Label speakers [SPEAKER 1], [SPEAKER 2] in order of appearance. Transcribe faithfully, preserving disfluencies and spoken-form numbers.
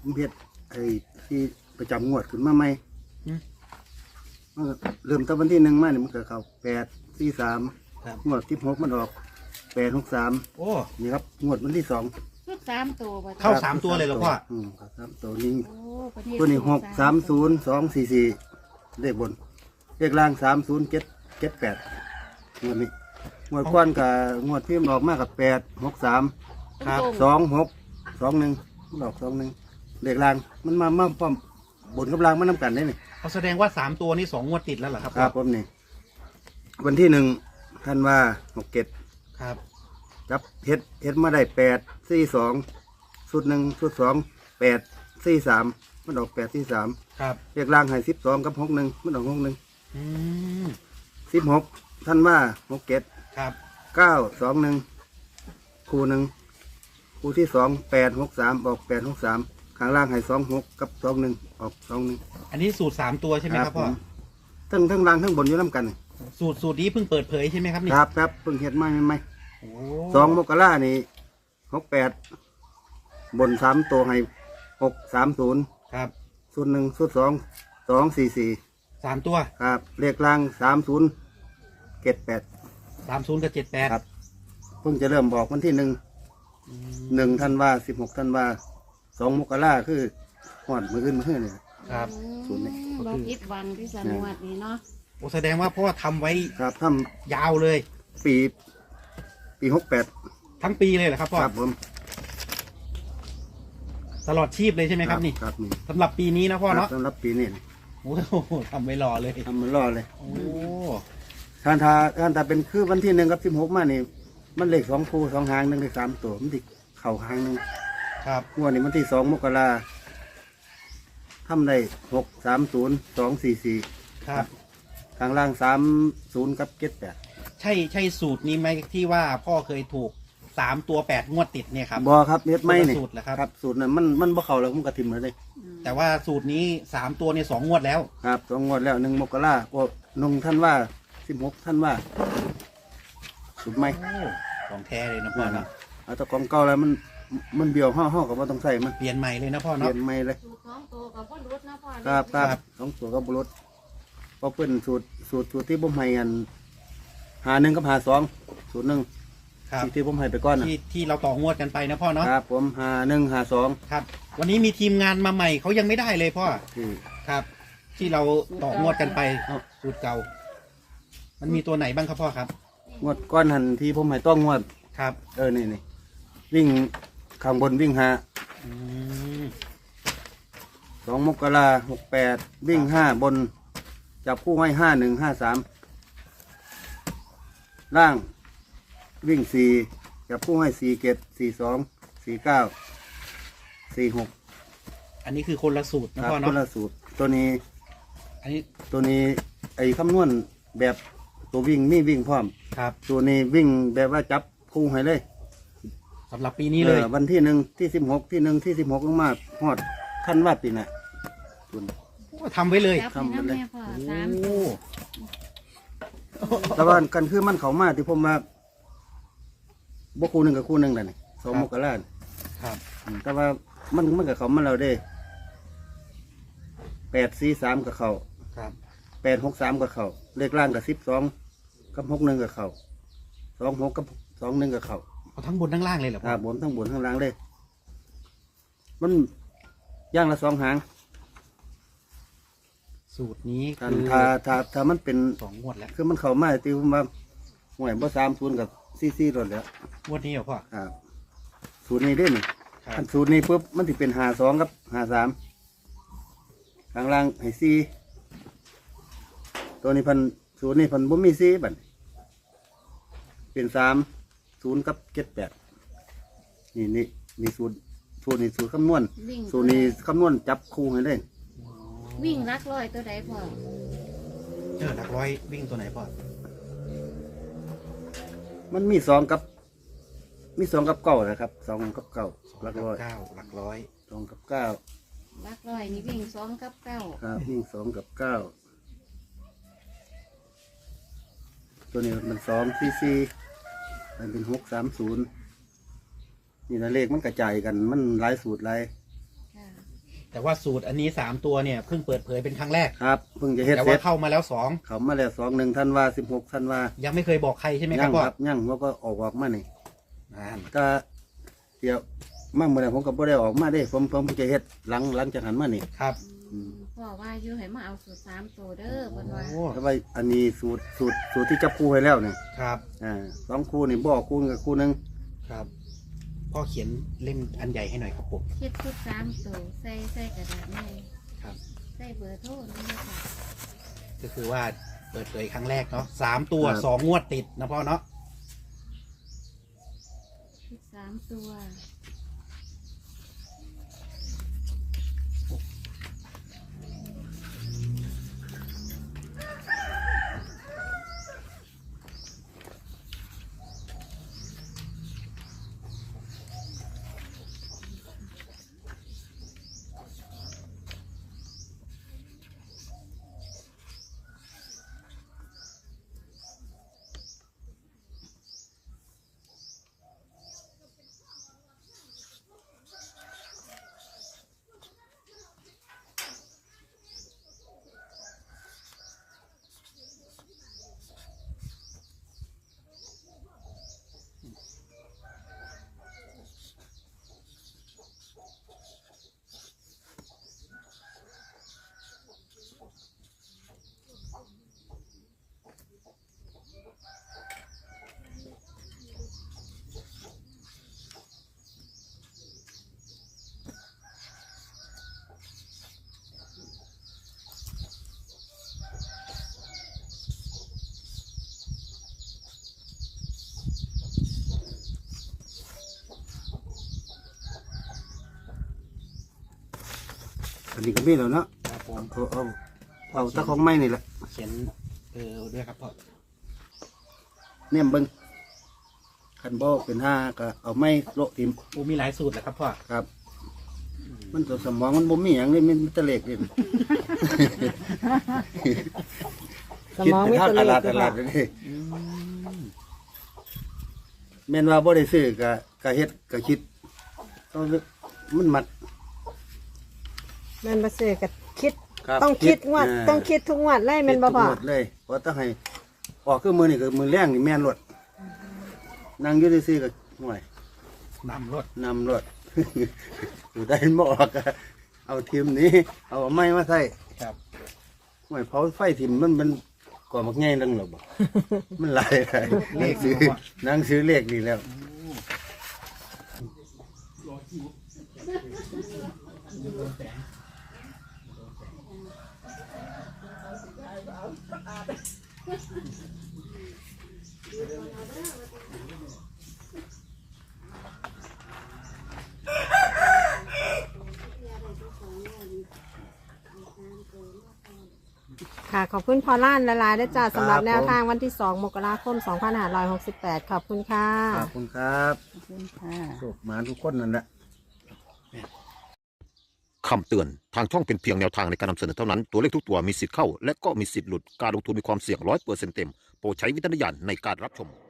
[SPEAKER 1] เฮ็ดไอ้ที่ประจำงวดขึ้นมาใหม่มันก็เริ่มตั้งวันที่หนึ่งมาเนี่ยมันก็เข้าแปดสี่สามงวดที่หกมันออกแปดหกสามโอ้นี่ครับงวดวันที่สอง
[SPEAKER 2] ชุดสามตัว
[SPEAKER 3] เข้าสามตัวเลยเหรอพ่อ
[SPEAKER 1] อืมสามตัวนี้ตัวนี้หกสามศูนย์สองสี่สี่เลขบนเลขล่างสามศูนย์เจ็ดเจ็ดแปดงวดนี้งวดก้อนกับงวดที่มันออกมากับแปดหกสามครับสองหกสองหนึ่งมันออกสองหนึ่งเลขล่างมันมามาพร้อมบนกับล่างมันน้ำกันได้นี่
[SPEAKER 3] เขาแสดงว่าสามตัวนี้สองงวดติดแล้วเหรอครับ
[SPEAKER 1] ครับผมนี่วันที่หนึ่งท่านว่าหกเจ็ด
[SPEAKER 3] ครับ
[SPEAKER 1] จับเฮ็ดเฮ็ดมาได้แปดสี่สองชุดหนึ่งชุดสองแปดสี่สามมันออกแปดสี่สาม
[SPEAKER 3] ครับ
[SPEAKER 1] เรียกล่างให้สิบสองกับหกหนึ่งมันออกหกหนึ่ง
[SPEAKER 3] อืม
[SPEAKER 1] สิบหกท่านว่าหกเจ็ด
[SPEAKER 3] ครับ
[SPEAKER 1] เก้าสองหนึ่งคู่หนึ่งคู่ที่สองแปดหกสามออกแปดหกสามข้างล่างให้สองหกกับสองหนึ่งออกสองหนึ่ง
[SPEAKER 3] อันนี้สูตรสามตัวใช่ไหมครับพ่อ
[SPEAKER 1] ทั้งทั้งล่างทั้งบนอยู่น้ำกัน
[SPEAKER 3] สูตรสูตรนี้เพิ่งเปิดเผยใช่ไหมครับนี่
[SPEAKER 1] ครับครับเพิ่งเห็ดไม่ไม่ไม่สองมกรานี่หกแปดบนสามตัวให้หกสามศูนย์
[SPEAKER 3] ครับ
[SPEAKER 1] ศูนย์หนึ่งศูนย์สองสองสี่สี่
[SPEAKER 3] สามตัว
[SPEAKER 1] ครับเลขล่างสามศูนย์เจ็ดแปด
[SPEAKER 3] สามศูนย์กับเจ็ดแปด
[SPEAKER 1] ครับเพิ่งจะเริ่มบอกวันที่หนึ่งหนึ่งท่านว่าสิบหกท่านว่าสองมกราคือหอดมือขึ้นมือขึ้นเนี่ย
[SPEAKER 3] ครับ
[SPEAKER 1] ศูนย์นี่
[SPEAKER 2] บอกอิดวันที่สนวดนี่เนาะ
[SPEAKER 3] โอ้แสดงว่าพ่อทำไว้
[SPEAKER 1] ครับท
[SPEAKER 3] ำยาวเลย
[SPEAKER 1] ปีปีหกแปด
[SPEAKER 3] ทั้งปีเลยเหรอครับพ่อ
[SPEAKER 1] ครับผม
[SPEAKER 3] ตลอดชีพเลยใช่ไหมครับนี่
[SPEAKER 1] ครับนี่
[SPEAKER 3] สำหรับปีนี้นะพ่อเนาะ
[SPEAKER 1] สำหรับปีนี้
[SPEAKER 3] โอ้โหทำไว้รอเลย
[SPEAKER 1] ทำมันรอเลย
[SPEAKER 3] โอ้
[SPEAKER 1] ท่านทาท่านทาเป็นคือวันที่หนึ่งกับสิบหกมานี่มันเลขสองคู่สองหางหนึ่งเลขสามตัวมันติดเข่าหางหนึ่ง
[SPEAKER 3] ครับ
[SPEAKER 1] งวดนี้มันที่สองมกราทำได้หกสามศูนย์สองสี่สี่
[SPEAKER 3] ครับ
[SPEAKER 1] ข้างล่างสามศูนย์กับเจ็ดแปด
[SPEAKER 3] ใช่ใช่สูตรนี้ไหมที่ว่าพ่อเคยถูกสามตัวแปดงวดติดเนี่ยครับ
[SPEAKER 1] บอครับเน็ตไม่เนี่ย
[SPEAKER 3] สูตรเหรอครับ
[SPEAKER 1] ครับสูตรนั้นมันมันบ่เข่าแล้วมันกระทิมเลย
[SPEAKER 3] แต่ว่าสูตรนี้สามตัวเนี่ยสองงวดแล้ว
[SPEAKER 1] ครับสองงวดแล้วหนึ่งมกราโอ้นงท่านว่าสิบหกท่านว่าสูตรไม่
[SPEAKER 3] ของแท้เลยนะพ่อนะ
[SPEAKER 1] เอาแต่ของเก่าแล้วมันมันเบี้ยวห่อห่อกับว่าต้องใส่มัน
[SPEAKER 3] เปลี่ยนใหม่เลยนะพ่อเนาะ
[SPEAKER 1] เปลี่ยนใหม่เลย
[SPEAKER 2] สองตัวกับพ่อรุดนะพ่อ
[SPEAKER 1] ครับครับสองตัวกับบุรุษเพราะเป็นสูตรสูตรสูตรที่ผมให้กันหาหนึ่งกับหาสองสูตรหนึ่งที่ผมให้ไปก้อน
[SPEAKER 3] ที่ที่เราต่องวดกันไปนะพ่อเนาะ
[SPEAKER 1] ครับผมหาหนึ่งหาสอง
[SPEAKER 3] ครับวันนี้มีทีมงานมาใหม่เขายังไม่ได้เลยพ่อครับ ที่เราต่องวดกันไปสูตรเก่ามันมีตัวไหนบ้างครับพ่อครับ
[SPEAKER 1] งวดก้อนหันที่ผมให้ต้องงวด
[SPEAKER 3] ครับ
[SPEAKER 1] เออนี่นี่วิ่งข้างบนวิ่งหาสองมกราหกแปดวิ่งห้าบนจับคู่ให้ห้าหนึ่งห้าสามล่างวิ่งสี่จับคู่ให้สี่เกตสี่สองสี่เก้าสี่หก
[SPEAKER 3] อันนี้คือคนละสูตรนะพ่อเนาะ
[SPEAKER 1] คนละสูตรตัวนี้
[SPEAKER 3] อันนี้
[SPEAKER 1] ตัวนี้ไอ้คำนวณแบบตัววิ่งมีวิ่งพร้อม
[SPEAKER 3] ครับ
[SPEAKER 1] ตัวนี้วิ่งแบบว่าจับคู่ให้เลย
[SPEAKER 3] สำหรับปีนี้เลย
[SPEAKER 1] วันที่หนึ่งที่สิบหกที่หนึ่งที่สิบหกลงมาฮอดท่านว่าปีน่ะ
[SPEAKER 3] ทำไว้เลย
[SPEAKER 2] ทำไว้เลยโอ้
[SPEAKER 1] แต่ว่ากันคือมันเขามาที่ผมมาบคู่หนึ่งกับคู่หนึ่งนั่นนี่สองมกรา
[SPEAKER 3] ครับ
[SPEAKER 1] แต่ว่ามันมันกับเขามาเราได้แปดสี่สามกับเขา
[SPEAKER 3] ครับ
[SPEAKER 1] แปดหกสามกับเขาเลขล่างกับสิบสองกับหกหนึ่งกับเขาสองหกกับสองหนึ่งกับเขา
[SPEAKER 3] เอาทั้งบนทั้งล่างเลยเหรอ
[SPEAKER 1] ครับบนทั้งบนทั้งล่างเลยมันย่างละสองหาง
[SPEAKER 3] สูตรนี้
[SPEAKER 1] คือถ้าถ้าถ้ามันเป็น
[SPEAKER 3] สองงวดแล้ว
[SPEAKER 1] คือมันเข้ามาตีผมว่าหวยบ่สามศูนย์กับซีซีรถแล้ว
[SPEAKER 3] งวดนี้เหรอพ่อ
[SPEAKER 1] ครับสูตรนี้ด้วยนี่ถ้าสูตรนี้ปุ๊บมันจะเป็นหาสองกับหาสามข้างล่างให้ซีตัวนี้พันสูตรนี้พันบ่มีซีบัดเป็นสามศูนย์กับเจ็ดแปดนี่นี่นี่สูตรสูตรนี้สูตรคำนวณสูตรนี้คำนวณจับคู่ให้ได้
[SPEAKER 2] วิ่งรักร้อยตัวไหนพ่อ
[SPEAKER 3] เจอรักร้อยวิ่งตัวไหนพ่อ
[SPEAKER 1] มันมีสองกับมีสองกับเก้านะครับสองกับเก้ารักร้อย
[SPEAKER 3] เก้ารักร้อย
[SPEAKER 1] สองกับเก้า
[SPEAKER 2] รักร้อยนี่วิ่งสองกับเก้า
[SPEAKER 1] ครับวิ่งสองกับเก้าตัวนี้มันสองซีซีมันเป็นหกสามศูนย์นี่นะเลขมันกระจายกันมันหลายสูตรหลาย
[SPEAKER 3] แต่ว่าสูตรอันนี้สามตัวเนี่ยเพิ่งเปิดเผยเป็นครั้งแรก
[SPEAKER 1] ครับเพิ่งจะเฮ็ด
[SPEAKER 3] แต่
[SPEAKER 1] เสร็
[SPEAKER 3] ว่า
[SPEAKER 1] จ
[SPEAKER 3] เข้ามาแล้วสอง
[SPEAKER 1] เขามาแล้วสองหนึ่งธันวาสิบหกธันวา
[SPEAKER 3] ยังไม่เคยบอกใครใช่ไหมค
[SPEAKER 1] ยั
[SPEAKER 3] รับ
[SPEAKER 1] ง
[SPEAKER 3] พ่อ
[SPEAKER 1] ครับยังว่าก็ออกออกมานี่
[SPEAKER 3] อ่า
[SPEAKER 1] ก็เดี๋ยวมาเมื่อไหร่ผมก็บ่ได้ออกมาได้ผมผมจะเฮ็ดหลังหลังจากหันมานี่
[SPEAKER 3] ครับ
[SPEAKER 2] อืมพ่อว่าอยู่ให้มาเอาสูตรสามตัวเด้อเพิ่นว่า
[SPEAKER 3] โอ้
[SPEAKER 1] แต่ว่าอันนี้สูตรสูตรสูตรที่จับคู่ให้แล้วนี่
[SPEAKER 3] ครับ
[SPEAKER 1] อ่าสองคู่นี่บอกคู่กับคู่หนึง
[SPEAKER 3] ครับพ่อเขียนเล่มอันใหญ่ให้หน่อยครับผม
[SPEAKER 2] คิดชุดสามตัวใส่ใส่กระดาษใหญ่
[SPEAKER 3] ครับ
[SPEAKER 2] ใส่เบอร์โทรนี่ค่ะ
[SPEAKER 3] ก็คือว่าเปิดเผยครั้งแรกเนาะสามตัวสองงวดติดนะพ่อเนาะ
[SPEAKER 2] ชุดสามตัว
[SPEAKER 1] อันนี้ก็มีแล้วเนาะ
[SPEAKER 3] ครับผม
[SPEAKER 1] เอาเอาเอาตะของไม้นี่แหละ
[SPEAKER 3] เขียนเออด้วยครับพ่อ
[SPEAKER 1] เนี่ยเบิ่งคันบ่เป็นห้าก็เอาไม้โละทิม
[SPEAKER 3] โอ้มีหลายสูตรแหละครับพ่อ
[SPEAKER 1] ครับ มันตัวสมองมันบ่มีหยังเลยมันมีแตะเล็กนี่
[SPEAKER 4] สมองไม่
[SPEAKER 1] คิด
[SPEAKER 4] ต
[SPEAKER 1] เป็น
[SPEAKER 4] เล
[SPEAKER 1] ทางตลาด
[SPEAKER 4] ข
[SPEAKER 1] ต
[SPEAKER 4] เลย
[SPEAKER 1] ลา
[SPEAKER 4] ค่ะ
[SPEAKER 1] ดนี่แม่นว่าบ่ได้ซื้อก็ก็เฮ็ดก็คิดเอามันมัด
[SPEAKER 4] แม่นบ่ซื้อก็คิด
[SPEAKER 1] ครับ
[SPEAKER 4] ต้องคิดงวด
[SPEAKER 1] า
[SPEAKER 4] ต้องคิดทุกงวดเลยแม่นบ่
[SPEAKER 1] คิด
[SPEAKER 4] พ่อ
[SPEAKER 1] ทุกงวดเลยเพราะต้องให้ออกคือมือนี่ก็มือแรงนี่แม่นรถนั่งอยู่ซื่อๆก็ห่วย
[SPEAKER 3] นำรถ
[SPEAKER 1] นำรถ อยู่ได้บ่ออกก็เอาทีมนี้ เอาไม้มาใส่
[SPEAKER 3] ครับ
[SPEAKER 1] ห่วยเผาไฟทิมมันมันก่อมักง่ายนึงหรอบ่ มันหลายหลาย
[SPEAKER 3] เลข
[SPEAKER 1] ซื้อ
[SPEAKER 3] เนาะ
[SPEAKER 1] นั่งซื้อเลขนี่แล้ว
[SPEAKER 4] ค่ะขอบคุณพอล้านละลายด้วยจ้าสำหรับแนวทางวันที่สองมกราคมสองพันห้าร้อยหกสิบแปดขอบคุณค่ะ
[SPEAKER 1] ขอบคุณครับ
[SPEAKER 4] ขอบคุณค่ะ
[SPEAKER 1] โชคหมาทุกคนนั่นแหละ
[SPEAKER 5] คำเตือน ทางช่องเป็นเพียงแนวทางในการนำเสนอเท่านั้น ตัวเลขทุกตัวมีสิทธิ์เข้า และก็มีสิทธิ์หลุด การลงทุนมีความเสี่ยงร้อยเปอร์เซ็นต์เต็ม โปรดใช้วิจารณญาณในการรับชม